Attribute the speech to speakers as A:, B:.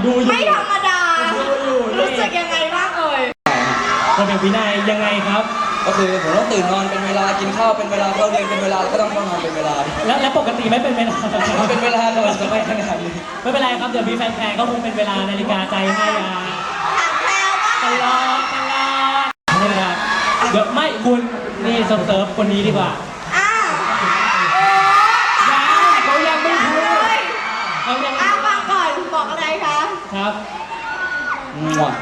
A: ดูอยู่
B: ไม่ธรรมดารู้สึกยังไงบ้างเอ่ย
A: คนเป็นวินัยยังไงครับ
C: ก็คือผมต้องตื่นนอนเป็นเวลากินข้าวเป็นเวลาเข้าเรียนเป็นเวลาแล้วก็ต้องเข้านอนเป็นเวลา
A: แล้วปกติไม่เป็นเวลา
C: เป็นเวลาก่อนจะไม่ขนาดนี้
A: ไม่เป็นไรครับเดี๋ยวมีแฟนๆก็คงเป็นเวลานาฬิกาใจให้ตลอดไม่เป็นไรเดี๋ยวไม่คุณนี่เซิร์ฟคนนี้ดีกว่าเขายังไม่พูดเขายัง
B: ฟังก่อนบอกอะไรคะ
A: ครับ
C: มั่ว